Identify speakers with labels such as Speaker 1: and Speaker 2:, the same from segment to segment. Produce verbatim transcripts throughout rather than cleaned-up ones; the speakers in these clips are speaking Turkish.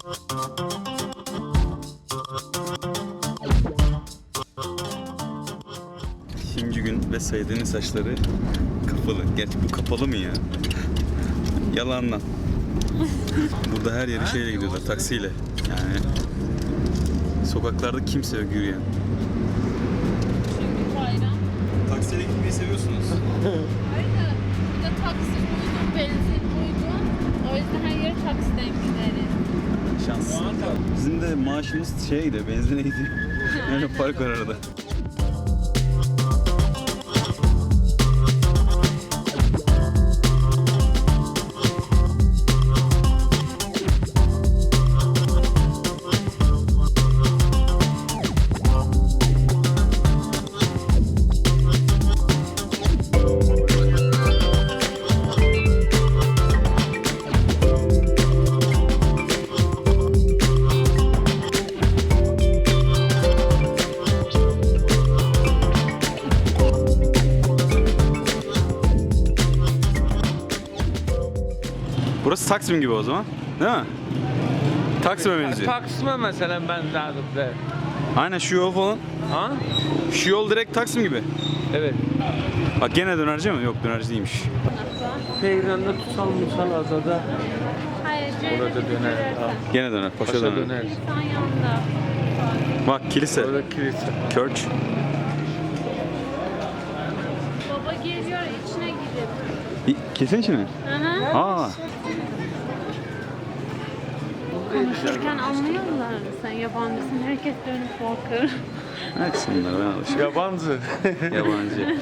Speaker 1: İkinci gün ve Said'in saçları kapalı. Gerçi bu kapalı mı ya? Yalandan. Burada her yere şeyle gidiyorlar, taksiyle. Yani sokaklarda kimse yok yürüyen.
Speaker 2: Çünkü bayram.
Speaker 1: Taksiyle gitmeyi seviyorsunuz.
Speaker 2: Hayır da burada taksi uygun, benzin uygun. O yüzden her yere taksiden gideriz.
Speaker 1: Şans. Bizim de maaşımız şeye gidiyor, benzine gidiyor. Yani fark var arada. Burası Taksim gibi o zaman, değil mi? Taksim'e benziyor.
Speaker 3: Taksim'e mesela benzerdim de.
Speaker 1: Aynen şu yol falan.
Speaker 3: Ha?
Speaker 1: Şu yol direkt Taksim gibi.
Speaker 3: Evet.
Speaker 1: Bak gene dönerci mi? Yok, dönerci değilmiş.
Speaker 3: Peyranda tutsal musal azada.
Speaker 2: Hayır,
Speaker 3: Orada döner. Ha.
Speaker 1: Gene döner, paşa,
Speaker 3: Paşa
Speaker 1: döner.
Speaker 3: döner.
Speaker 2: Sen yanında.
Speaker 1: Bak kilise,
Speaker 3: Orada kilise.
Speaker 1: Church.
Speaker 2: Baba geliyor, içine gidip.
Speaker 1: İ- Kilisenin içine mi?
Speaker 2: Hı hı.
Speaker 1: Aa,
Speaker 2: Konuşurken anlıyorlar. Sen yabancısın, herkes dönüp bakır.
Speaker 1: açsınlar, ben alışıyorum.
Speaker 3: Yabancı.
Speaker 1: Yabancı.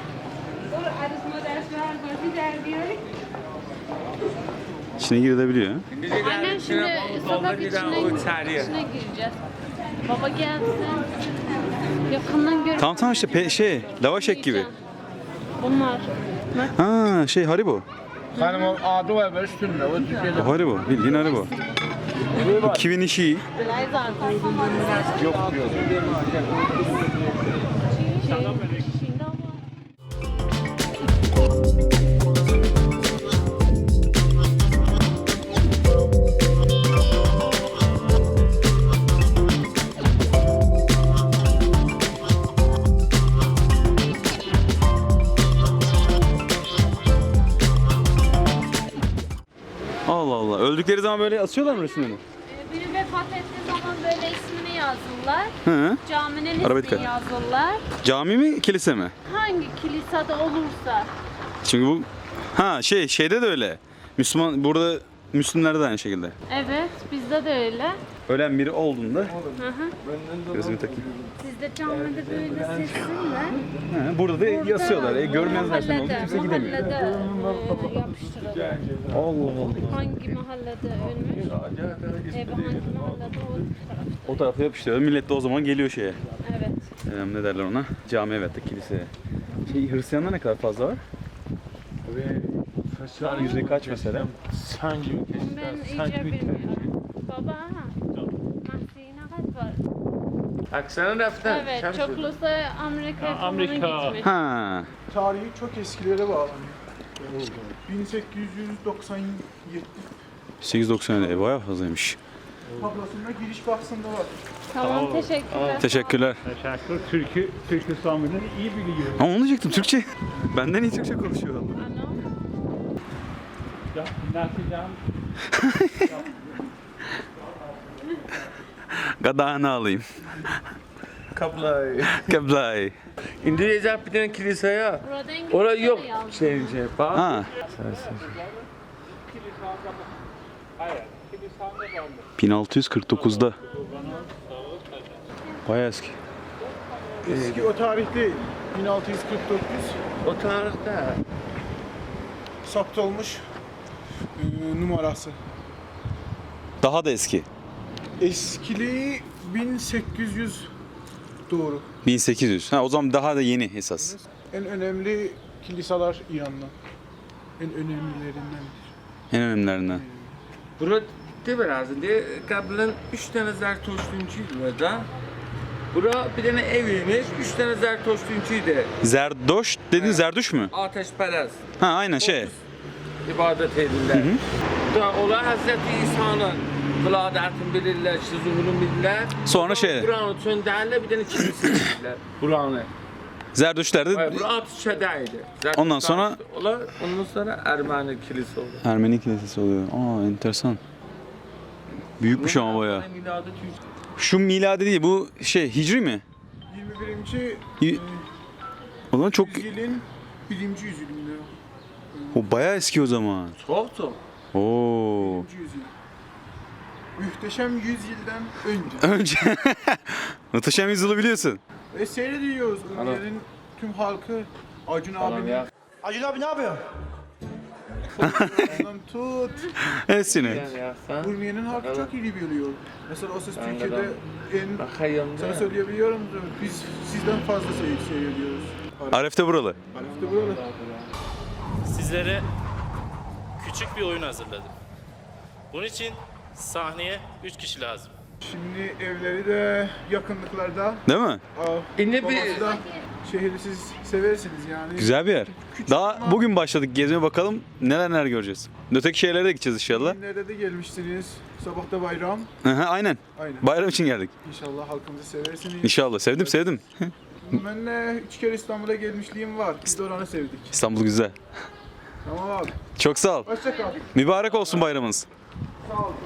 Speaker 1: İçine girilebiliyor.
Speaker 2: Aynen şimdi sokak içine, içine gireceğiz. Baba gelsin. Yakından görüp
Speaker 1: Tamam tamam işte pe- şey, lavaş ek gibi.
Speaker 2: Bunlar.
Speaker 1: Ha şey Haribo.
Speaker 3: Hanım o adı var böyle üstünde. O Türkiye'de.
Speaker 1: O Haribo, bildiğin Haribo. Bu kimin işi?
Speaker 3: Yok diyor.
Speaker 2: Şimdi ama.
Speaker 1: Allah Allah. Öldükleri zaman böyle asıyorlar mı resimlerini?
Speaker 2: Ee, Biri vefat ettiği zaman böyle ismini yazırlar.
Speaker 1: Hı.
Speaker 2: Caminin
Speaker 1: Araba
Speaker 2: ismini
Speaker 1: dikkat.
Speaker 2: yazırlar.
Speaker 1: Cami mi, kilise mi?
Speaker 2: Hangi kilisede olursa.
Speaker 1: Çünkü bu ha şey şeyde de öyle. Müslüman burada Müslümlerde de aynı şekilde.
Speaker 2: Evet, bizde de öyle.
Speaker 1: Ölen biri olduğunda
Speaker 2: Hı hı.
Speaker 1: gözümü takayım.
Speaker 2: Sizde camide böyle sessiz mi?
Speaker 1: Ha, burada da yasıyorlar. E, görmezler seni oldu, kimse gidemiyor.
Speaker 2: Mahallede e, yapıştırılır.
Speaker 1: Allah Allah.
Speaker 2: Hangi mahallede ölmüş? Evi hangi mahallede o taraf.
Speaker 1: O tarafa yapıştırıyor. Millet de o zaman geliyor şeye.
Speaker 2: Evet.
Speaker 1: Ee, ne derler ona? Cami, evet de kiliseye. Şey, Hristiyanlar ne kadar fazla var? Yüzde kaç mesela?
Speaker 3: Sen gibi
Speaker 2: Ben
Speaker 3: keşke.
Speaker 2: iyice bilmiyorum. Baba, Mahsi'ye ne kadar var?
Speaker 3: Aksana raftan.
Speaker 2: Evet, çoklusu Amerika'ya falan
Speaker 3: Amerika.
Speaker 2: gitmiş.
Speaker 1: Ha.
Speaker 4: Tarihi çok eskilere bağlanıyor. bin sekiz yüz doksan yedi
Speaker 1: sekiz yüz doksan e, bayağı fazlaymış.
Speaker 4: tablasında giriş bahsinde var.
Speaker 2: Tamam, teşekkürler.
Speaker 1: Teşekkürler.
Speaker 5: Teşekkür. Türkü, Türk İslam'ını iyi biliyor.
Speaker 1: Ama onu diyecektim, Türkçe. Benden iyi Türkçe konuşuyor adam.
Speaker 2: Ano?
Speaker 5: Ya, nasıl
Speaker 1: Gadağını alayım.
Speaker 3: Kaplay.
Speaker 1: Kablay.
Speaker 3: İndonezya bir tane kilise ya.
Speaker 2: Burada İngilizce
Speaker 3: Orada yok
Speaker 2: de yazmış.
Speaker 3: şey şey. Bak.
Speaker 1: Ha. bin altı yüz kırk dokuzda. Bayağı eski.
Speaker 4: Eski o tarihte bin altı yüz kırk dokuz
Speaker 3: O tarihte.
Speaker 4: saptolmuş e, numarası.
Speaker 1: Daha da eski.
Speaker 4: Eskiliği bin sekiz yüz doğru.
Speaker 1: bin sekiz yüz. Ha, o zaman daha da yeni esas.
Speaker 4: En önemli kiliseler İran'da. En önemlilerindendir.
Speaker 1: En önemlilerinden.
Speaker 3: Burada de biraz de kablan üç tane Zertoştuncu burada. Bura bir tane eviymiş, üç tane Zertoştuncuydu.
Speaker 1: Zerdoş dedin, Zerduş mu?
Speaker 3: Ateşperest.
Speaker 1: Ha aynen şey.
Speaker 3: ibadet edirlər. Da onlar Hazreti İsa'nın Kıladatın bilirler, işte zuhurun bilirler.
Speaker 1: Sonra şey,
Speaker 3: Buranı çönderler, bir tane kilise bilirler. Buranı.
Speaker 1: Zerdüştler de
Speaker 3: Bura Atışeda'ydı.
Speaker 1: Ondan sonra-
Speaker 3: Olar, ondan sonra Ermeni kilise oldu.
Speaker 1: Ermeni kilisesi oluyor. Aa enteresan. Büyükmüş ama bayağı.
Speaker 3: Miladı
Speaker 1: Şu miladi değil, bu şey hicri mi?
Speaker 4: yirmi birinci
Speaker 1: Y- O zaman çok
Speaker 4: yüzyılın birinci yüzyılında.
Speaker 1: o bayağı eski o zaman.
Speaker 3: çok çok.
Speaker 1: Oo.
Speaker 4: birinci yüzyıl. Muhteşem yüzyıldan önce.
Speaker 1: Önce Muhteşem Yüzyıl'ı biliyorsun.
Speaker 4: Ve seyrediyoruz. Ülkenin tüm halkı Acun abinin
Speaker 6: Acun abi ne yapıyor?
Speaker 4: ondan tut.
Speaker 1: Hepsini.
Speaker 4: Urmiye'nin halkı çok iyi biliyor. Mesela o ses Türkiye'de en
Speaker 3: Bakayım
Speaker 4: sana
Speaker 3: da.
Speaker 4: söyleyebiliyorum. Biz sizden fazla seyir seyrediyoruz.
Speaker 1: Aref'te buralı.
Speaker 4: Arif'te buralı.
Speaker 7: Sizlere küçük bir oyun hazırladım. Bunun için sahneye üç kişi lazım.
Speaker 4: Şimdi evleri de yakınlıklarda.
Speaker 1: Değil mi?
Speaker 4: Aa,
Speaker 3: Yine bir-
Speaker 4: babası da şehri siz seversiniz yani.
Speaker 1: Güzel bir yer. Daha bugün başladık gezmeye, bakalım neler neler göreceğiz. Öteki şehirlere de gideceğiz inşallah.
Speaker 4: Günlerde de gelmiştiniz. Sabahta bayram.
Speaker 1: Aha, aynen.
Speaker 4: Aynen.
Speaker 1: Bayram için geldik.
Speaker 4: İnşallah halkımızı seversiniz.
Speaker 1: İnşallah. Sevdim sevdim.
Speaker 4: Ben de üç kere İstanbul'a gelmişliğim var. Biz de oranı sevdik.
Speaker 1: İstanbul güzel.
Speaker 4: Tamam abi.
Speaker 1: Çok sağ ol.
Speaker 4: Hoşça kal.
Speaker 1: Mübarek olsun bayramınız.
Speaker 4: Sağ ol. Sağ ol.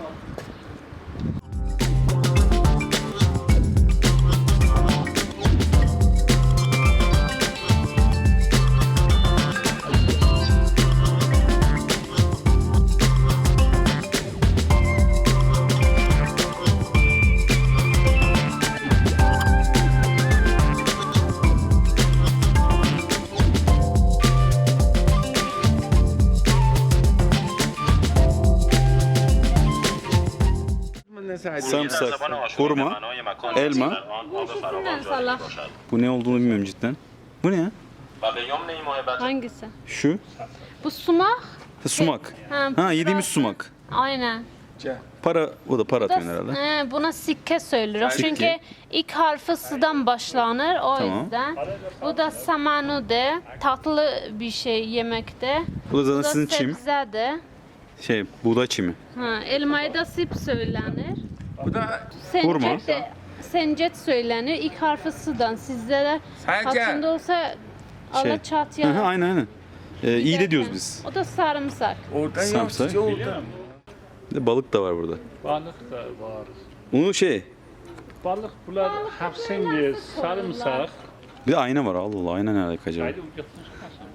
Speaker 1: Sarımsak, hurma, elma.
Speaker 2: Bu ikisinden salak.
Speaker 1: Bu ne olduğunu bilmiyorum cidden. Bu ne ya?
Speaker 2: Hangisi?
Speaker 1: Şu.
Speaker 2: Bu sumak.
Speaker 1: Ha, sumak.
Speaker 2: Ha,
Speaker 1: Ha yediğimiz
Speaker 2: burası-
Speaker 1: sumak.
Speaker 2: Aynen.
Speaker 1: Para, o da para
Speaker 2: Bu da-
Speaker 1: atıyorsun herhalde.
Speaker 2: He, buna sikke söylüyoruz.
Speaker 1: Sikke.
Speaker 2: Çünkü ilk harfi sıdan başlanır o
Speaker 1: Tamam.
Speaker 2: yüzden. Bu da samanu de, tatlı bir şey yemekte.
Speaker 1: Bu da
Speaker 2: Bu
Speaker 1: zaten
Speaker 2: da
Speaker 1: sizin çim.
Speaker 2: sebze de.
Speaker 1: Şey, buğday çimi.
Speaker 2: Ha, elmayı da sip söylenir.
Speaker 3: Bu da
Speaker 1: Hurma.
Speaker 2: Sencet de sencet söylenir. İlk harfi sıdan. Sizde de
Speaker 3: Sadece-
Speaker 2: hatırında olsa
Speaker 1: Şey.
Speaker 2: alaçat
Speaker 1: Hı hı,
Speaker 2: ya.
Speaker 1: aynen aynen. Ee, iyi de diyoruz biz.
Speaker 2: O da sarımsak.
Speaker 3: oradan
Speaker 1: Samsak.
Speaker 3: yansıcı oldu.
Speaker 1: Bir de balık da var burada.
Speaker 5: Balık da var.
Speaker 1: Bunu şey,
Speaker 5: Balık bunlar hapsengi, sarımsak.
Speaker 1: bir de ayna var. Allah Allah, ayna ne alaka acaba?
Speaker 5: Haydi ucatmış kaçın.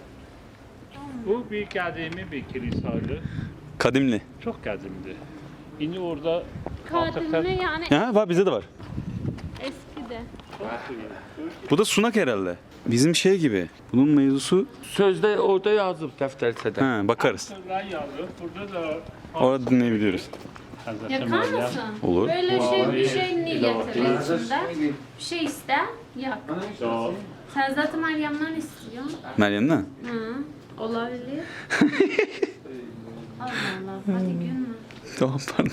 Speaker 5: Bu bir kadimi bir kilisaydı.
Speaker 1: Kadimli.
Speaker 5: Çok kadimdi. Yine orada
Speaker 2: Kadimli yani
Speaker 1: Ha, var, bizde de var.
Speaker 2: eski de.
Speaker 1: Bu da sunak herhalde. Bizim şey gibi. Bunun mevzusu,
Speaker 3: Sözde orada yazıp defterçede.
Speaker 1: ha bakarız.
Speaker 5: Ray yazıyor. Burada da
Speaker 1: Orada dinleyebiliyoruz.
Speaker 5: Hazreti
Speaker 2: Yakar
Speaker 5: Meryem.
Speaker 2: mısın?
Speaker 1: Olur.
Speaker 2: Böyle şey bir şey niyetinde içinde. Bir şey iste, yak.
Speaker 5: Ya,
Speaker 2: Sen zaten Meryem'den istiyorsun.
Speaker 1: Meryem'den.
Speaker 2: Hı, olabilir. Allah Allah, hadi gülme.
Speaker 1: Tamam, pardon.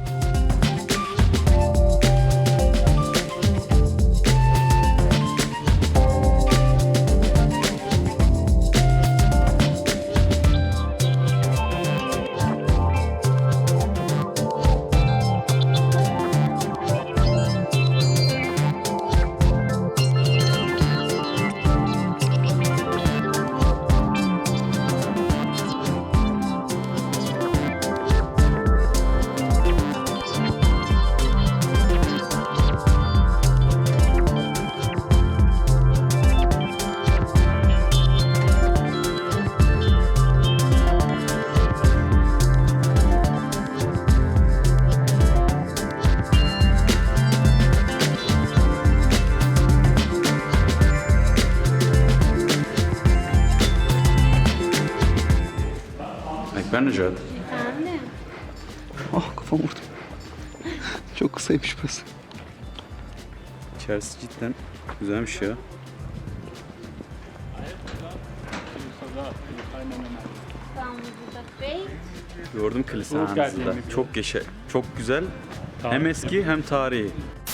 Speaker 1: Ekber Necat.
Speaker 2: Efendim?
Speaker 1: Ah, kafam vurdu. Çok kısaymış burası. İçerisi cidden güzelmiş ya.
Speaker 2: İstanbul'da Bey.
Speaker 1: Gördüm kilise
Speaker 5: Çok
Speaker 1: hanınızı da.
Speaker 5: güzel.
Speaker 1: Çok geçe, çok güzel. Hem
Speaker 5: Tarihi.
Speaker 1: eski hem tarihi.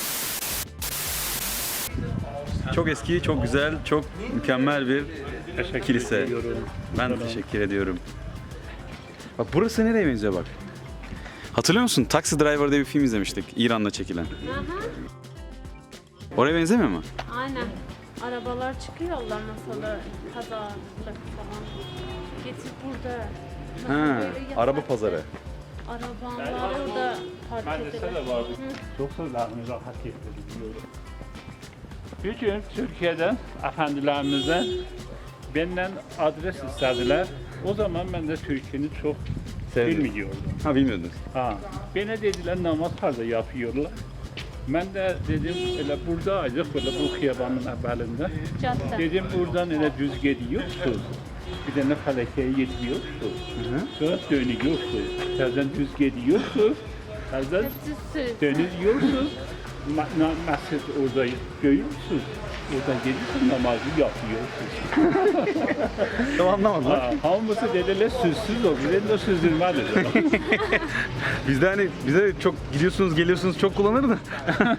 Speaker 1: Çok eski, çok güzel, çok mükemmel bir
Speaker 5: teşekkür
Speaker 1: kilise.
Speaker 5: ediyorum.
Speaker 1: Ben de teşekkür ediyorum. Bak burası nereye benziyor bak. Hatırlıyor musun? Taxi Driver diye bir film izlemiştik. İran'da çekilen.
Speaker 2: Aha.
Speaker 1: Oraya benzemiyor mu?
Speaker 2: Aynen. Arabalar çıkıyorlar mesela pazarlık falan. Getir burada. Mesela
Speaker 1: Ha,
Speaker 2: böyle yaparken
Speaker 1: araba pazarı.
Speaker 2: Arabalar orada park
Speaker 5: Mendes'te
Speaker 2: edilir.
Speaker 5: de vardı. Çok sözlerimizi hak ettiriyoruz. Bir gün Türkiye'den, efendilerimizden benden adres istediler. O zaman ben de Türkiye'ni çok
Speaker 1: Sevdim.
Speaker 5: bilmiyordum.
Speaker 1: Ha bilmiyordunuz.
Speaker 5: Ha, bana dediler namaz harda yapıyorlar. Ben de dedim öyle buradaydık böyle bu kıyabanın evvelinde.
Speaker 2: Cadde.
Speaker 5: Dedim buradan öyle düz gidiyorsun. Bir tane falakaya yetmiyorsun. Sonra dönüyorsun. Terden düz gidiyorsun. Terden
Speaker 2: Hepsi süs.
Speaker 5: dönüyorsun. Ma- na- Mescid orada görüyorsun. Orada gelirsin namazı yapıyorsun.
Speaker 1: Tamam anlamadım.
Speaker 5: Ha, hamısı dediler süssüz ol. Bir de süzdürmedi.
Speaker 1: Bizde hani bize çok gidiyorsunuz geliyorsunuz çok kullanır da.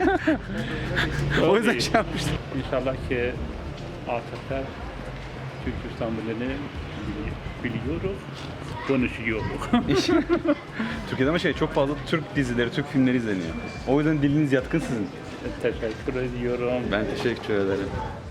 Speaker 1: O yüzden şey yapmıştım.
Speaker 5: İnşallah ki artık da Türkistan dilini biliyoruz, konuşuyoruz.
Speaker 1: Türkiye'de ama şey çok fazla Türk dizileri, Türk filmleri izleniyor. O yüzden diliniz yatkın sizin.
Speaker 5: Teşekkür ediyorum.
Speaker 1: Ben teşekkür ederim.